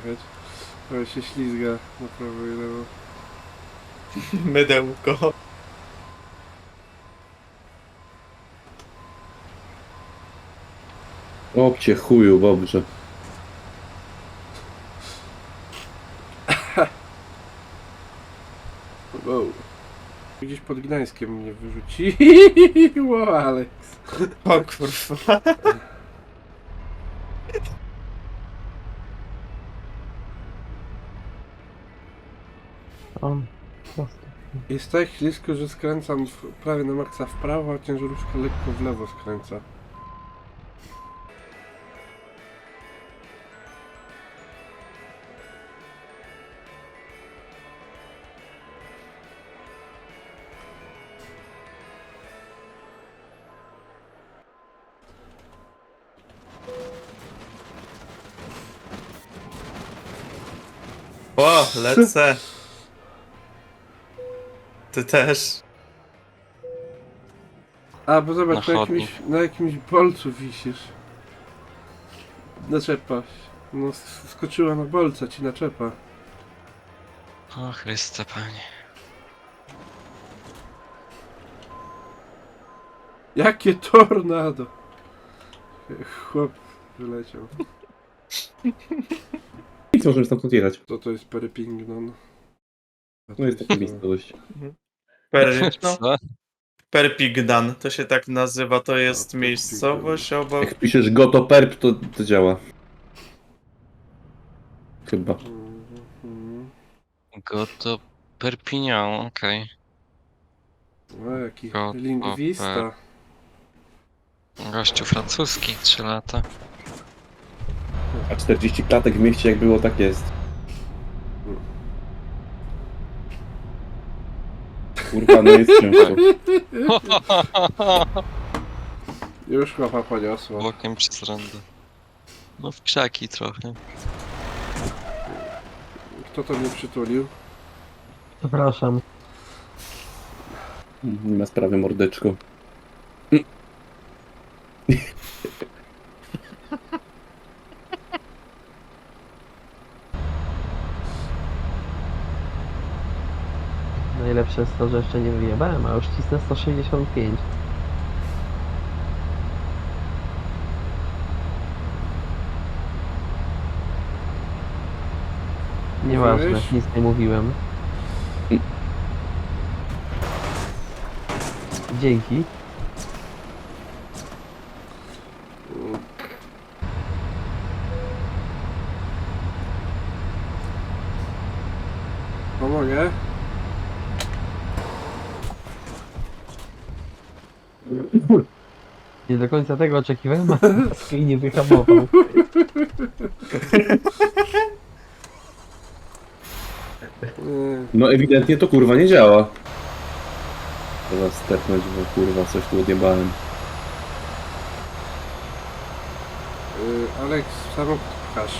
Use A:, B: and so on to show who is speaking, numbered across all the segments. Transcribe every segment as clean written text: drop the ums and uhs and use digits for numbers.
A: jechać. Ale się ślizga na prawo i lewo.
B: Mydełko.
C: Obcie chuju, dobrze.
A: Wow. Gdzieś pod Gdańskiem mnie wyrzuciło, Alex.
B: O kurwa.
D: On. Prosto.
A: Jest tak ślisko, że skręcam prawie na maksa w prawo, a ciężarówka lekko w lewo skręca.
B: O, lecę. Ty też.
A: A, bo zobacz,
E: Na
A: na jakimś bolcu wisisz. Naczepa. No, skoczyła na bolca ci naczepa.
E: O Chryste, Panie.
A: Jakie tornado! Chłop wyleciał.
C: Nic możemy stamtąd jechać.
A: Co to jest Perpignan?
C: No jest taka miejscowość.
B: No,
E: Co?
B: Perpignan, to się tak nazywa, to jest
A: Perpignan.
B: miejscowość obok...
C: Jak piszesz gotoperp, to działa. Chyba.
E: Goto Perpignan, okej.
A: O, jaki
E: Go-
A: lingwista.
E: Gościu francuski, 3 lata.
C: A 40 klatek w mieście jak było, tak jest. Kurwa, no jest ciężko.
A: Już chłopa poniosło.
E: Bokiem przez rondę. No w krzaki trochę.
A: Kto to mnie przytulił?
D: Przepraszam.
C: Nie ma sprawy, mordeczko.
D: Najlepsze jest to, że jeszcze nie wyjebałem, a już cisnę 165. Nieważne,
A: Mówiłeś?
D: nic nie mówiłem. Dzięki.
A: Pomogę?
D: Nie do końca tego oczekiwałem, a Ski nie wyhamował.
A: Nie.
C: No ewidentnie to kurwa nie działa. Trzeba stepnąć, bo kurwa coś tu odjebałem.
A: Alex, samochód pchasz.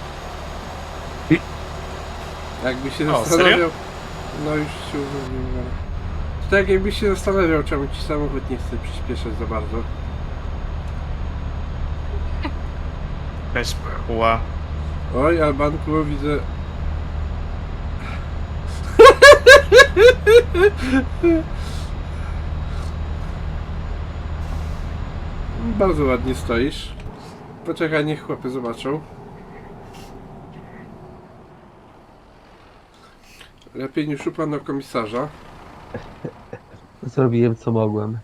A: Jakby się
B: O,
A: zastanawiał...
B: serio?
A: No już się uwolniłem, ale... To tak jakbyś się zastanawiał, czemu ci samochód nie chce przyspieszać za bardzo.
B: Jakaś pchła.
A: Oj, Albanku, widzę... Bardzo ładnie stoisz. Poczekaj, niech chłopy zobaczą. Lepiej niż u pana komisarza.
D: Zrobiłem co mogłem.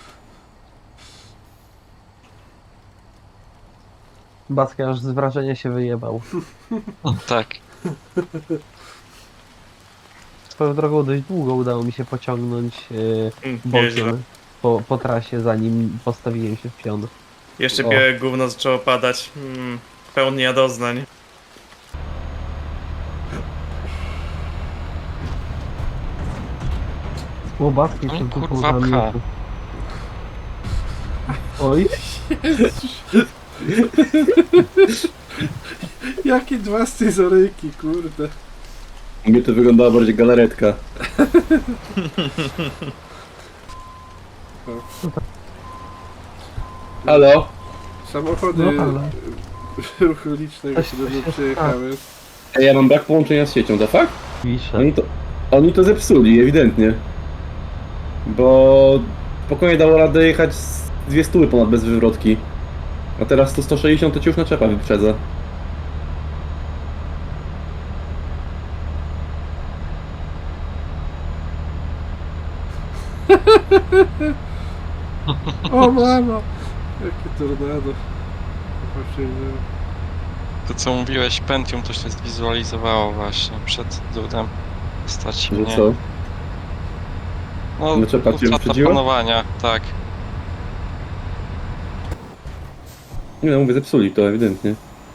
D: Baska aż z wrażenia się wyjebał.
E: Tak.
D: Swoją drogą dość długo udało mi się pociągnąć
B: Nieźle.
D: bokiem po trasie, zanim postawiłem się w pion.
B: Jeszcze
D: O.
B: białe gówno zaczęło padać. Pełnia doznań.
D: O, Baski
E: Oj,
D: przed
E: kurwa,
D: dwóch
E: pcha.
D: Oj,
A: Jakie dwa scyzoryki, kurde.
C: U mnie to wyglądała bardziej galaretka. Halo?
A: Samochody
D: no ale
A: ruchu licznego
D: Coś
A: się do mnie
D: się
A: przyjechały.
C: Ja mam brak połączenia z siecią, to fakt?
D: Pisze.
C: Oni to zepsuli, ewidentnie. Bo spokojnie dało radę jechać z 200 ponad bez wywrotki. A teraz to 160 to ci już naczepa wyprzedza.
A: O mamo! Jakie tornado. Właśnie,
E: To co mówiłeś, Pentium to się zwizualizowało właśnie przed dudem. Stać
C: Że
E: mnie.
C: co?
E: No,
C: Naczepa cię
E: utrata
C: wyprzedziła?
E: panowania, tak.
C: Nie no, mówię, zepsuli to ewidentnie.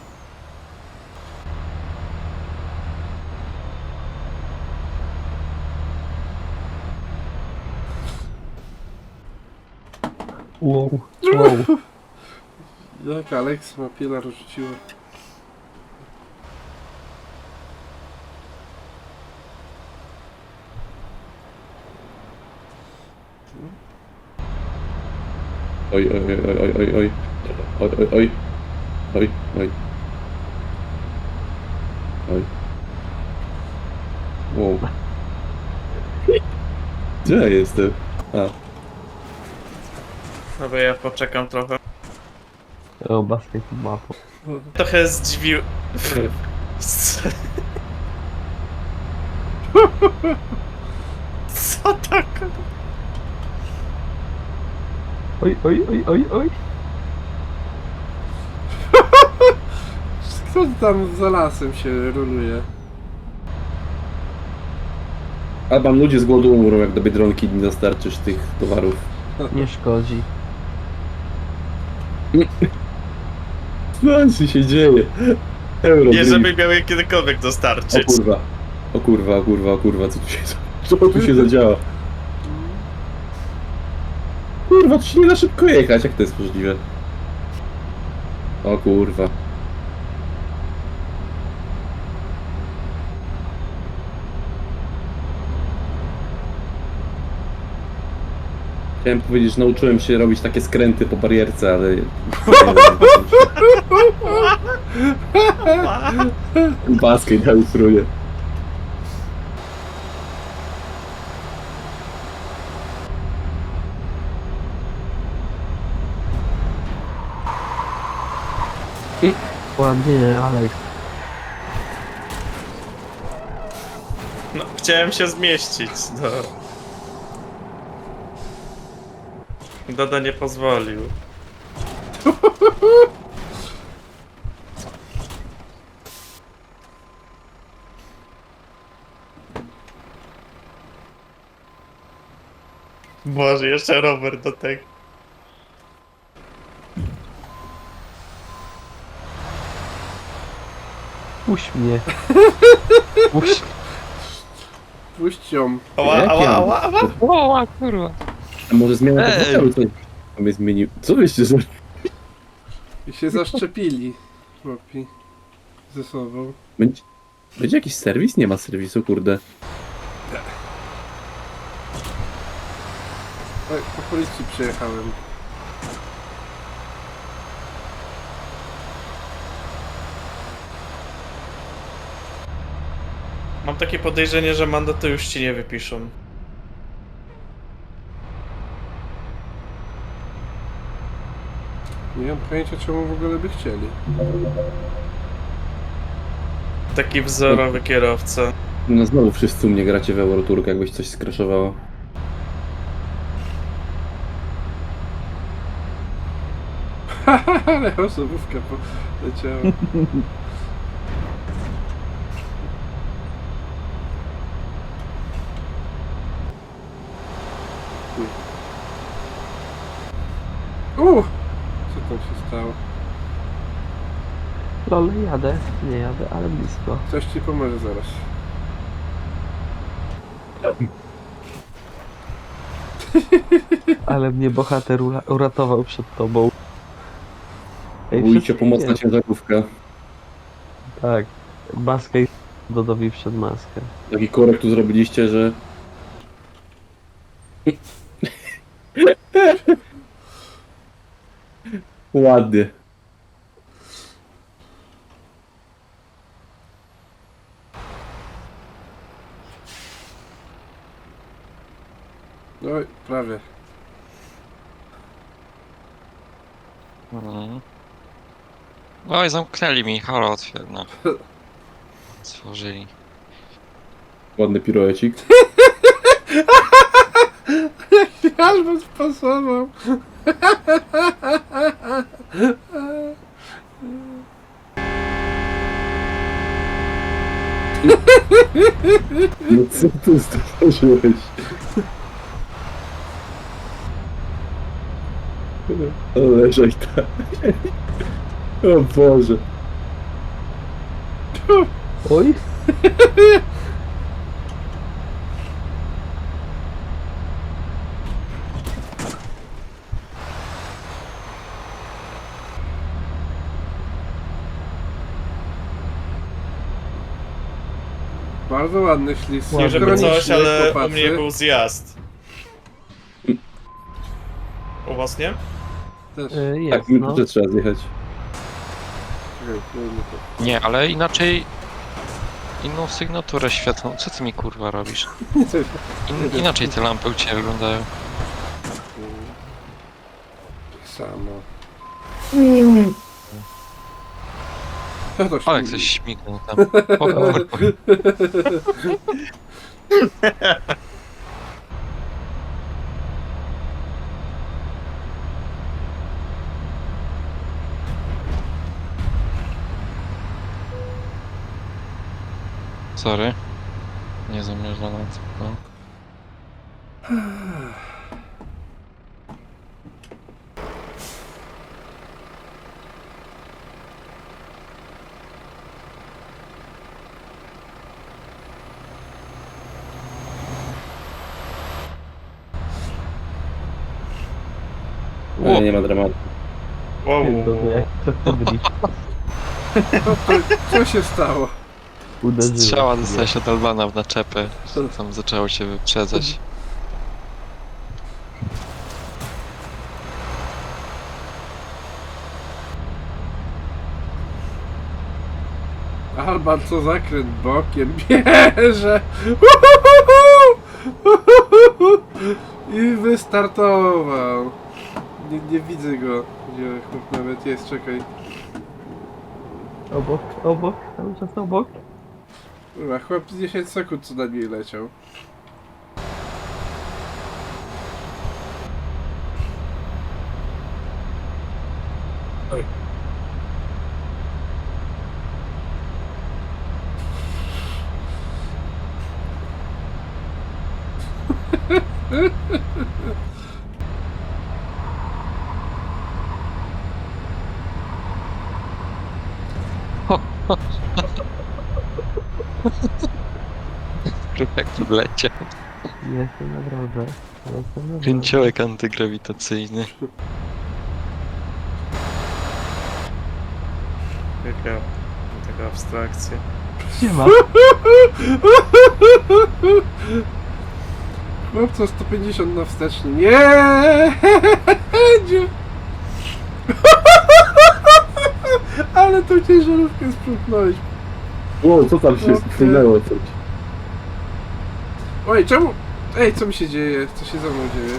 D: Wow. Wow.
A: Jak Alex ma pilar rzuciło.
C: Oj, oj, oj, oj, oj, oj, oj, oj, oj, oj, oj, oj, oj. Wow. Gdzie ja jestem? A,
B: Dobra, ja poczekam trochę.
D: O, basket mapo.
B: Trochę zdziwił... Co tak?
D: Oj, oj, oj, oj, oj.
A: Kto tam za lasem się roluje?
C: albo ludzie z głodu umrą, jak do Biedronki nie dostarczysz tych towarów.
D: Nie szkodzi.
C: Co się dzieje? Euro.
B: Nie, żeby miał je kiedykolwiek
C: O
B: dostarczyć.
C: kurwa. O kurwa, o kurwa, o kurwa, co tu się zadziała? Kurwa, tu się nie da szybko jechać, jak to jest możliwe? O kurwa. Chciałem powiedzieć, że nauczyłem się robić takie skręty po barierce, ale... Basket dał struje.
D: Ładnie, Alex.
B: No, chciałem się zmieścić, no. Doda nie pozwolił. Boże, jeszcze rower do tego.
D: Puść mnie. Puść.
A: Puść ją.
B: Ała,
C: Jak
B: ała,
C: ja?
B: ała, ała.
E: O, kurwa.
C: A może zmiana
E: Ej!
C: komputeru coś tam jest zmienił? Co wyście zrobili?
A: I się zaszczepili. Chłopi. Ze sobą.
C: Będzie jakiś serwis? Nie ma serwisu, kurde.
A: Oj, po policji przyjechałem.
B: Mam takie podejrzenie, że mandaty już ci nie wypiszą.
A: Nie mam pojęcia, czemu w ogóle by chcieli.
B: Taki wzorowy kierowca.
C: No znowu wszyscy u mnie gracie w Euroturk, jakbyś coś skraszowało.
A: Ale osobówka poleciała. Co tam się stało?
D: Lol, jadę. Nie jadę, ale blisko.
A: Coś ci pomoże zaraz.
D: Ale mnie bohater uratował przed tobą. Ej,
C: Ujcie,
D: wszystko
C: pomocna
D: jest.
C: ciężarówka.
D: Tak. Maskę i Dodowi przed maskę.
C: Taki korek tu zrobiliście, że... Ładnie.
A: Oj, prawie.
E: Mhm. Oj, zamknęli mi, halo, otwierno. Stworzyli.
C: Ładny piruecik.
A: Aż bym spasował.
C: No co ty stworzyłeś? Ale żejta. O Boże.
D: Oj,
A: Bardzo ładny ślizg.
D: Nie
B: Nie żeby
A: Ironiczny,
B: coś, ale u
A: chłopacy.
B: mnie był zjazd. U was nie?
A: Też.
D: jest,
C: Tak, my
D: no.
C: też trzeba zjechać.
A: Czekaj, nie to.
E: Nie, ale inaczej... Inną sygnaturę świetlną. Co ty mi kurwa robisz? Inaczej te lampy u ciebie wyglądają.
A: Samo. Co to
E: Ale
A: śmieje?
E: ktoś śmignął tam. O kurwa. Sorry. Nie zamierzam tylko.
C: Ale nie ma dramatu.
B: Wow.
D: Pierdolę, jak to chodzi.
A: Co się stało?
D: Uderzyłem.
E: Strzała dostałeś od Albana w naczepę. Tam zaczęło się wyprzedzać.
A: Alban co zakręt bokiem bierze. I wystartował. Nie widzę go. Gdzie chłop nawet jest, czekaj.
D: Obok, cały czas obok.
A: Chyba chłop z 10 sekund co na niej leciał.
E: Jak tu wleciał.
D: Jestem na drodze. Jestem na drodze.
E: Kręciołek antygrawitacyjny.
B: Taka abstrakcja.
D: Nie ma.
A: Chłop co 150 na wsteczny. Nie! Dziu. Ale tą ciężarówkę sprzątnąłeś.
C: Wow, co tam się
A: Okej.
C: stanęło?
A: Oj, czemu? Ej, co mi się dzieje? Co się ze mną dzieje?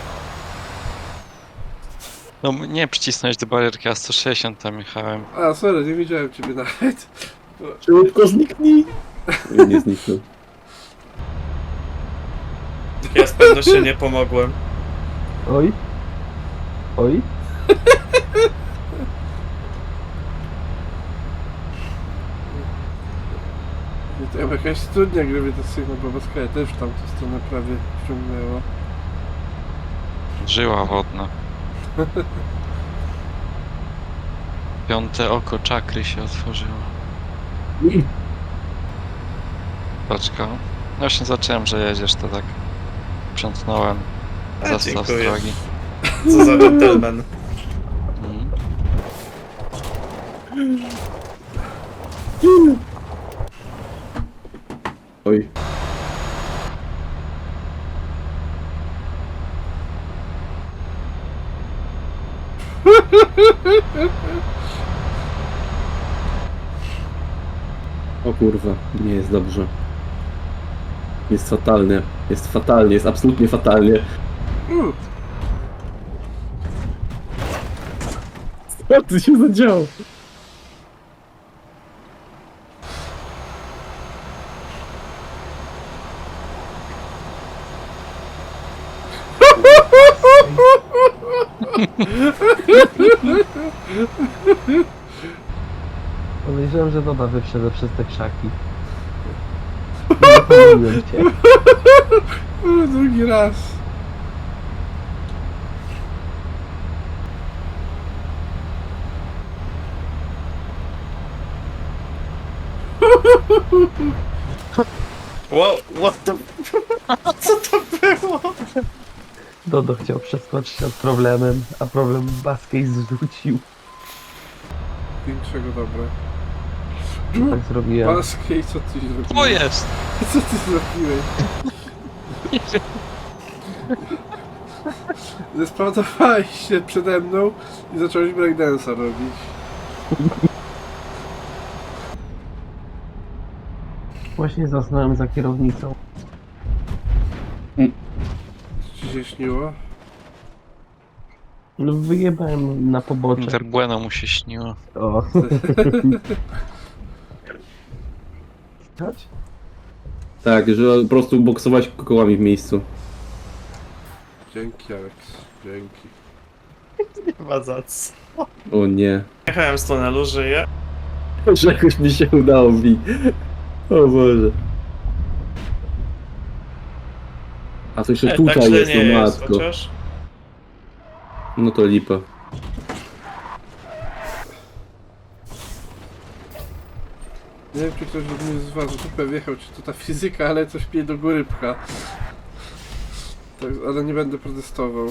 E: No nie przycisnąć do barierki, a 160 tam jechałem.
A: A, sorry, nie widziałem ciebie nawet.
C: Szybko zniknij! I nie zniknął.
B: Ja z pewnością nie pomogłem.
D: Oj. Oj.
A: To chyba jakaś studnia grawitacyjna, bo Baskaja też w tamtą stronę prawie wciągnęło.
E: Żyła wodna. Piąte oko czakry się otworzyło. Paczka. Właśnie zacząłem, że jedziesz, to tak sprzątnąłem.
B: A,
E: Zastaw z
B: dziękuję.
E: drogi.
B: Co za gentleman.
E: Mhm.
C: Oj. O kurwa, nie jest dobrze. Jest fatalnie. Jest fatalnie, jest absolutnie fatalnie. Co tu się zadziało?
D: Podejrzewam, że Doda wyprzedza przez te krzaki. Nie pomyliłem cię.
A: Drugi raz.
B: Wow, what the... Co to było?
D: Dodo chciał przeskoczyć nad problemem, a problem Baskiej zrzucił.
A: Większego dobra.
D: Tak zrobiłem.
A: Baskiej, co ty zrobiłeś?
E: To jest!
A: Co ty zrobiłeś? Zespawnowałeś się przede mną i zacząłeś breakdance'a robić.
D: Właśnie zasnąłem za kierownicą.
A: Co ci się śniło?
D: No wyjebałem na pobocze.
E: Interbueno mu się śniło.
D: O. Chodź.
C: Tak, że po prostu boksować kołami w miejscu.
A: Dzięki, Alex. Dzięki.
B: Chyba za co?
C: O nie.
B: Jechałem z tunelu, żyję.
C: Że jakoś mi się udało mi. O Boże. A to jeszcze
B: Tak
C: tutaj
B: źle
C: jest,
B: nie
C: no
B: jest,
C: matko.
B: chociaż.
C: No to lipa.
A: Nie wiem, czy ktoś mnie z was dupę wjechał, czy to ta fizyka, ale coś mnie do góry pcha. Tak, ale nie będę protestował.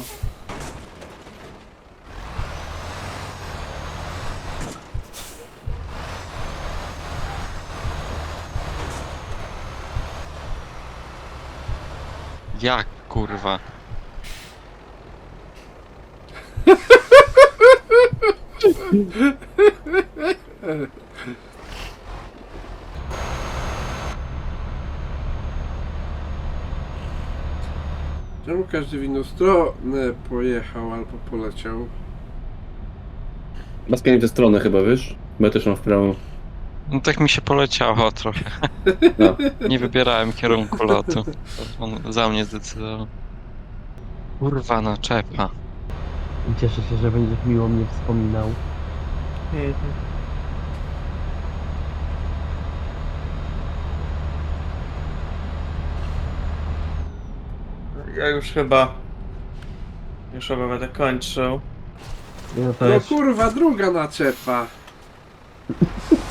E: Jak kurwa?
A: Czemu każdy w inną stronę pojechał albo poleciał?
C: Maska nie w tę stronę chyba, wiesz? Bo ja też mam w prawo.
E: No tak mi się poleciało trochę.
C: No.
E: Nie wybierałem kierunku lotu. On za mnie zdecydował. Kurwa naczepa.
D: Cieszę się, że będziesz miło mnie wspominał.
B: Ja już chyba będę kończył.
D: No to
A: No
D: jest...
A: kurwa, druga naczepa.